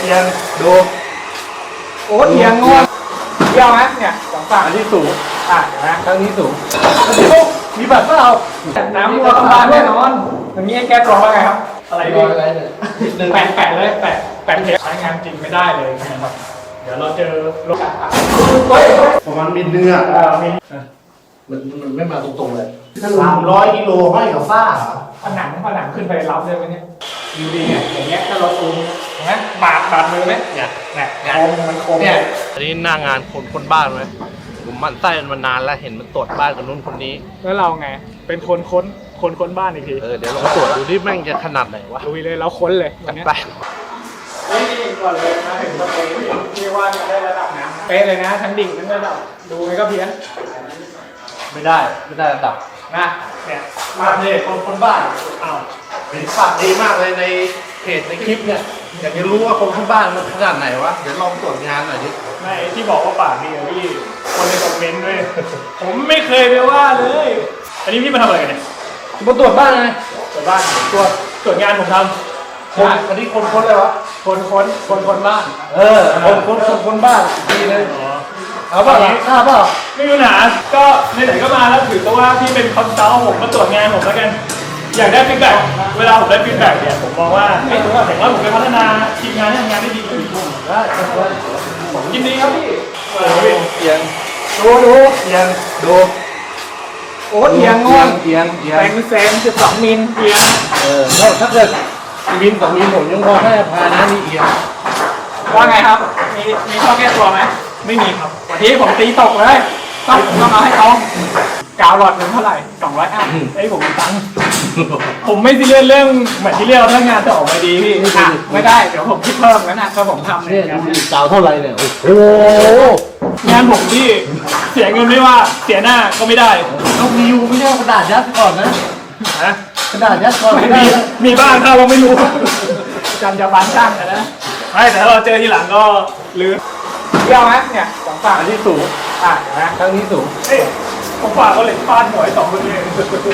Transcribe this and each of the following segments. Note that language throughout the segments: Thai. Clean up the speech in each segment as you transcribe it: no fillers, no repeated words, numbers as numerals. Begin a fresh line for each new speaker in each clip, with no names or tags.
อียงดู
โอ้เอียงงอเยี่ยวไหมเนี่ยสองฝั่ง
อันที่สูง
เห็นไหม
ข้างนี้สูงมีบัตรเปล่า
น้ำมัวกำบาลแน่นอนอย่างนี้แก้ตัวว่าไงครับอะไรดี
อะไรเนี่ย
แปะเลยแปะเทปใช้งานจริงไม่ได้เลยนะครับเดี๋ยวเราเจอรถ
ประมาณมิลนึงอ่ะมันไม่มาตรงๆเลย300 กิโลห้อยกับฝ้า
ผนังขึ้นไปรับเลยไหมเนี่ยดูดีไงอย่างเงี้ยถ้าเราซูมเห็นไหมบาดมือไหมเนี่ยคมมันคม
เนี่ยอันนี้หน้างานคนบ้านไหมผมมันไส้มันนานแล้วเห็นมันตรวจบ้านกับนู้นคนนี้
แล้วเราไงเป็นคนค้นบ้านอีกที
เดี๋ยวเราตรวจดูที่แม่งจะขนาดไหนวะ
ดูเลยเราค้นเลยวันนี้
ไป
นี่ก่อนเลยมาถึงประตูที่ว่าได้ระดับน้ำเป๊ะเลยนะทั้งดิ่งทั้งระดับดูไงก็เพี้ยน
ไม่ได้ระดับ
นะเนี่ย
มาเลยคนบ้านเห็นปากดีมากเลยในเพจในคลิปเนี่ยอยากจะรู้ว่าคนข้างบ้านมันขนาดไหนวะเดี๋ยวลองตรวจงานหน่อยดิ
ไม่ที่บอกว่าปากดีพี่คนในคอมเมนต์ด้วยผมไม่เคยไปว่าเลยอันนี้พี่มาทำอะไรกันเนี่ย
มาตรวจบ้านไง
ตรวจบ้านตรวจงานผมทำ
อันนี้คนเลยวะ
คนบ้าน
คนบ้านดีเลยเอาเปล่า
ไม่มีปัญหาก็ไหนๆก็มาแล้วถือว่าพี่เป็นคอนซัลท์ผมมาตรวจงานผมแล้วกันอยากได้ฟีดแบ็กเวลาผมได้ฟีดแบ็กเนี่ยผมมองว่าเห็นว่าผมไปพัฒนาทีมงานให้ทำงานได้ดีขึ้นได้ผมยินดีครับพี่
เอียง
ดู
เอียงดู
โอ้เอียงงอน
เอียง
แซง12 มิลเอียง
ถ้าเกิดมิล2 มิลผมยังพอให้อภัยนะนี่เอียง
ว่าไงครับมีข้อแก้ตัวไหมไม่มีครับวันนี้ผมตีตกเลยต้องเอาให้เขากาวหลอดเงินเท่าไหร่200อ่ะไอ้ผมมีตังค์ผมไม่ซีเรียสเรื่องเหมือนที่เรียกถ้างานจะออกมาดีพี่ไม่ได้เดี๋ยวผมคิดเพิ่มแล้วนะถ้าผมทำ
เนี่ยกาวเท่าไหร่เนี่ยโอ้
งานผมที่เสียเงินไม่ว่าเสียหน้าก็ไม่ได้
ต้องมีอยู่ไม่ใช่กระดาษยัดก่อนนะกระดาษยัดก่อน
มีบ้างถ้าเราไม่รู้จำจะบานช่างนะไม่แต่ถ้าเราเจอทีหลังก็ลืมเยี่ยวไหมเนี่ยสองฝั่ง
อันที่สูง
เห็นไหม
ข้างนี้สูง
ผมฝากเขาเลยฟาดหัว2 คนเอง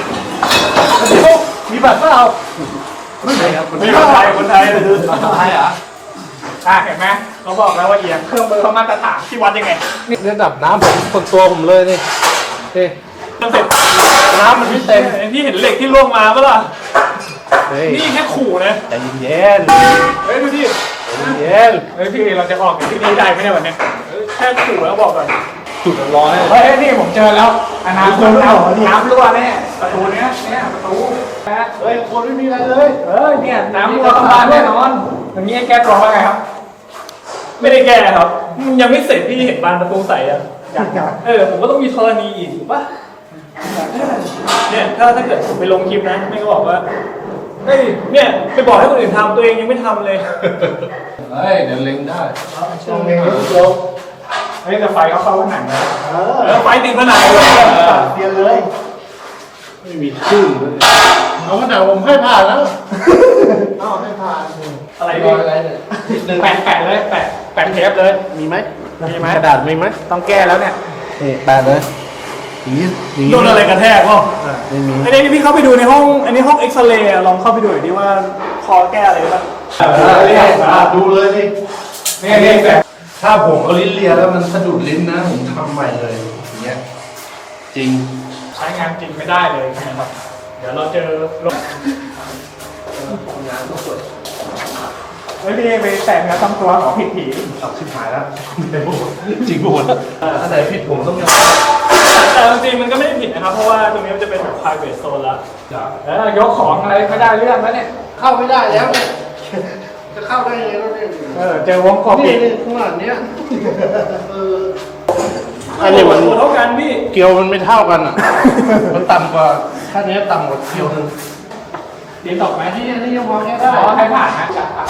มีบัตรเปล่า
ไม่มีครับคนไทย
เหรอ
เห็นไหมเขาบอกแล้วว่าเอียงเครื่องมือเขามาตรฐานที่วัดยังไง
นี่ระดับน้ำผมคนตัวผมเลยนี่
เสร็จ
น้ำมันไม่เต็ม
พี่เห็นเหล็กที่ล่วงมาปะล่ะนี่แค่ขู่นะ
ใจเย็น
ดูดิ
เย็น
พี่เราจะออกจากที่นี่ได้ไหมเนี่ยวันนี้แค่ขู่แล้วบอกก่อน
จุดร้อน
นี่ผมเจอแล้วน้ำรั่วแน่ประตูเนี้ยประตู
คนไม่มีอะไรเลย
เนี่ยน้ำรั่วกำบาลแน่นอนอย่างนี้แก้ตัวว่าไงครับไม่ได้แก้ครับยังไม่เสร็จพี่เห็นบานประตูใสอ่ะผมก็ต้องมีธรณีอีกถูกปะเนี่ยถ้าเกิดผมไปลงคลิปนะไม่ก็บอกว่าเนี่ยไปบอกให้คนอื่นทำตัวเองยังไม่ทำเลย
เดี๋ยวเล็งได้
เล็งแต่ไฟเขาเข้าผนังนะไฟติดผนังเลย
เปลี่ยนเลยไม่มีชื่อเลยเอาผนังผมให้ผ่านแล้วให้ผ่าน
อะไรเนี่ยแปะเลยแปะเทปเลย
มีไหมกระดาษมีไหม
ต้องแก้แล้วเนี่ย
แปะเลย
โดนอะไรกระแทกพ่อ
ไม่มี
อันนี้พี่เข้าไปดูในห้องอันนี้ห้องเอ็กซเรย์ลองเข้าไปดูหน่อยดิว่าคอแก้อะไรบ้าง
ดูเลยนี่แบบถ้าผมเอาลิ้นเลียแล้วมันสะดุดลิ้นนะผมทำใหม่เลยอย่างเงี้ยจริง
ใช้งานจริงไม่ได้เลยนะครับเดี๋ยวเราเจอรถ
งานต้องสวย
พี่ไปแต่งเนื้อต้องตัวของผิดผี
ชิบหายแล้วจริงหมดถ้าไหนผิดผมต้องยอม
แต่จริงมันก็ไม่ได้ผิดนะครับเพราะว่าตรงนี้มันจะเป็นแบบ private zone แล้วยกของอะไรไม่ได้เรื่องแล้วเนี่ย
เข้าไม่ได้แล้วเนี่ยจะเข้าได้ยังไงแล้วเนี่ย
เจอวงกบ
นี่ข้างหลังเนี้ยอันนี้มัน
เท่ากันพี่
เกลียวมันไม่เท่ากันอ่ะมันต่ำกว่าถ้านี้ต่ำกว่าเกลียวนึง
เดี๋ยวตกไหม
นี่ยังมองแค่ได้
ให้ผ่านนะ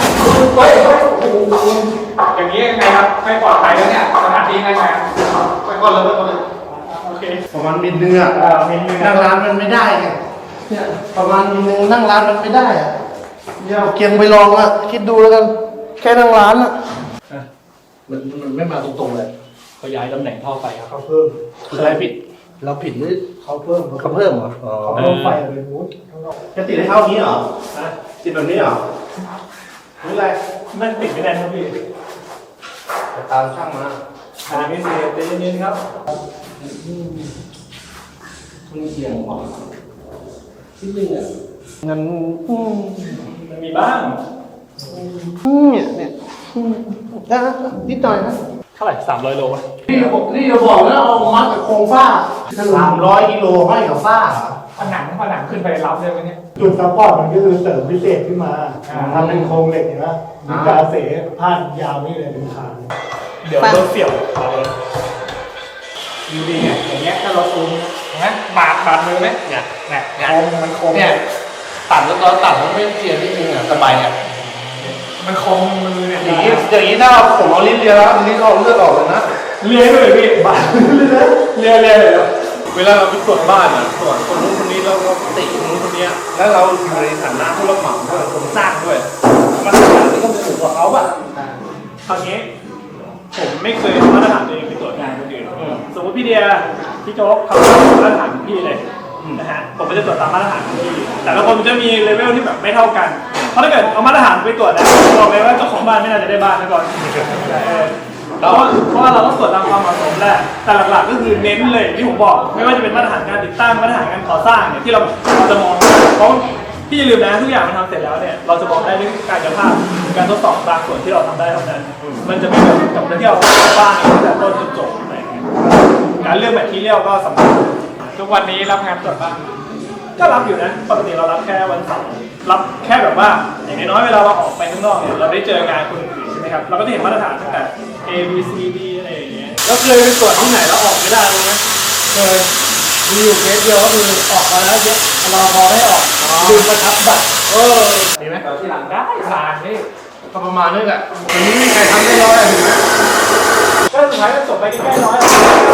อย่างนี้ยังไงครับไม่ปลอดภัยแล้วเนี่ยสถานที่ไง
ไปก่อนเลย
โอเค
ประมาณมิลนึงอ่ะนั่งร้านมันไม่ได้ไงเนี่ยประมาณมิลนึงนั่งร้านมันไม่ได้อ่ะเนี่ยเกียงไปลองอ่ะคิดดูแล้วกันแค่นั่งร้านอ่ะมันไม่มาตรงๆเลย
เขาย้ายตำแหน่งท่อไฟครับ
เขาเพิ่มอะไรผิดเราผิดหรือเขาเพิ่มเหรอเขาเพิ่มไฟอะไรนู้นจะติดให้เข้านี้เหรอติดแบบนี้เหรอหรืออะไร
นั่นติดไม่ได้ครับพี่
ไปตามช่างมา
อันนี้เสียใจเย็นๆครับ
คุณเสียงออกที่นึงอ่ะงั้น
มันมีบ้าง
เนี่ยนะนิดหน่อยนะ
เท่าไหร่300 โลวะ
นี่จะบอกนะเอามัดกับโครงฝ้า300 กิโลห้อยกับฝ้า
ผนังขึ้นไปรับได้ไหมเนี่ย
จุดซัพพอร์ตมันก็คือเสริมพิเศษขึ้นมาทำเป็นโครงเหล็กเห็นไหมมีกาเสพาดยาวนี่เลยเป็นคาน
เดี๋ยวรถเสี่ยวเอาเลยดูดีไงอย่างเงี้ยถ้าเราซูมเห็นไหมบาดมือไหมเนี่ยโคมมันโคม
เนี่ยตัดแล้วตอนตัดมันไม่เจียนิดนึงอ่ะสบายอ่ะ
มันโคมมือเนี่ย
อย่างนี้ถ้าผมเอาลิ้นเลียแล้วลิ้นเอาเลือดออกเลยนะ
เลื้อยไปเลยพี่บาดเลื้อยเลยเหรอ
เวลาเราไปตรวจบ้านอ่ะตรวจคนนู้นคนนี้แล้วเราติคนนู้นคนนี้แล้วเราอยู่ในฐานะผู้รับเหมาด้วยคนสร้างด้วยมาตรฐานนี่ก็สูงกว่าเขาอ่ะ
คราวนี้ผมไม่เคยเอามาตรฐานตัวเองไปตรวจงานคนอื่นสมมติพี่เดียพี่โจ๊กเขามาตรฐานของพี่เลยนะฮะผมก็จะตรวจตามมาตรฐานของพี่แต่ละคนจะมีเลเวลที่แบบไม่เท่ากันเพราะถ้าเกิดเอามาตรฐานไปตรวจนะบอกเลยว่าเจ้าของบ้านไม่น่าจะได้บ้านนะก่อนเพราะว่าเราต้องตรวจตามความเหมาะสมแหละแต่หลักๆก็คือเน้นเลยที่ผมบอกไม่ว่าจะเป็นมาตรฐานการติดตั้งมาตรฐานการก่อสร้างเนี่ยที่เราจะมองเพราะพี่อย่าลืมนะทุกอย่างมันทำเสร็จแล้วเนี่ยเราจะบอกได้ด้วยกายภาพการทดสอบบางส่วนที่เราทำได้เท่านั้นมันจะไม่เหมือนกับที่เราบ้านตั้งแต่ต้นจนจบอะไรอย่างเงี้ยการเลือกแมททีเรียลก็สำคัญทุกวันนี้รับงานตรวจบ้านก็รับอยู่นะปกติเรารับแค่วันเสาร์รับแค่แบบว่าอย่างน้อยๆเวลาเราออกไปข้างนอกเนี่ยเราได้เจองานคนอื่นใช่ไหมครับเราก็จะเห็นมาตรฐานตั้งแต่ A B C D อะไรอย่างเงี้ย
แล้วเคยไปตรวจที่ไหนแล้วออกไม่ได้เลยไหม
เคยมีอยู่เคสเดียวก็คือออกมาแล้วเยอะรอพอให้ออกลืมประทับบัตร
ดีไหม
ที่หลังได้ผ่านนี่
ก็ประมาณนี้แหละวันนี้ไม่มีใครทำได้ร้อยเห็นไหม
ก็สุดท้ายก็จบไปใกล้ๆน้อย